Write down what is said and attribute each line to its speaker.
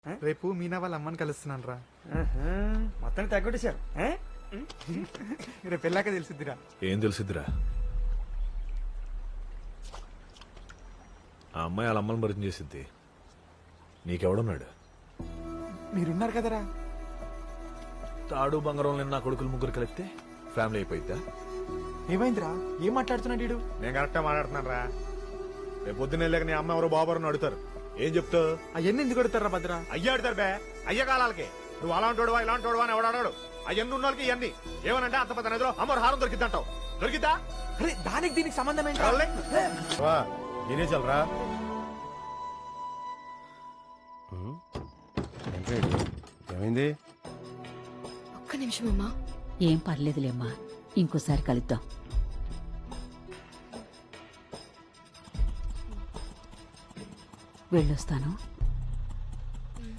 Speaker 1: రేపు మీనా వాళ్ళ అమ్మని కలుస్తున్నాను రా.
Speaker 2: మొత్తం తగ్గొట్టేశారు.
Speaker 1: రేపు వెళ్ళాక తెలిసిద్దిరా.
Speaker 3: ఏం తెలిసిద్దిరా? ఆ అమ్మాయి వాళ్ళ అమ్మని పరిచయం చేసిద్ది. నీకెవడున్నాడు?
Speaker 1: మీరున్నారు కదరా.
Speaker 3: తాడు బంగారం నిన్న కొడుకులు ముగ్గురు కలిపితే ఫ్యామిలీ అయిపోయిద్దా?
Speaker 1: ఏమైందిరా? ఏం మాట్లాడుతున్నాడు వీడు?
Speaker 3: నేను కరెక్టా మాట్లాడుతున్నాను రా. రేపు పొద్దున్న వెళ్ళాక నీ అమ్మ ఎవరో బాబుని అడుగుతారు. ఏం చెప్తావు?
Speaker 1: అవన్నీ ఎందుకు కొడతారా భద్ర?
Speaker 3: అయ్యా అడుగుతారు బే. అయ్య కాలాలకి నువ్వు అలాంటోడువా ఇలాంటోడువా అని ఎవడాడు? అవన్నీ ఉన్న వాళ్ళకి ఇవన్నీ ఏమనంటే అంత పెద్ద నదిలో అమ్మరు హారం దొరికిద్దంటావు. దొరికిద్దా?
Speaker 1: అరే దానికి దీనికి సంబంధం ఏంటి?
Speaker 3: నేనే చల్రా.
Speaker 4: ఏమైంది?
Speaker 5: ఒక్క నిమిషం అమ్మా.
Speaker 6: ఏం పర్లేదులేమ్మా, ఇంకోసారి కలుద్దాం. వెళ్ళొస్తాను.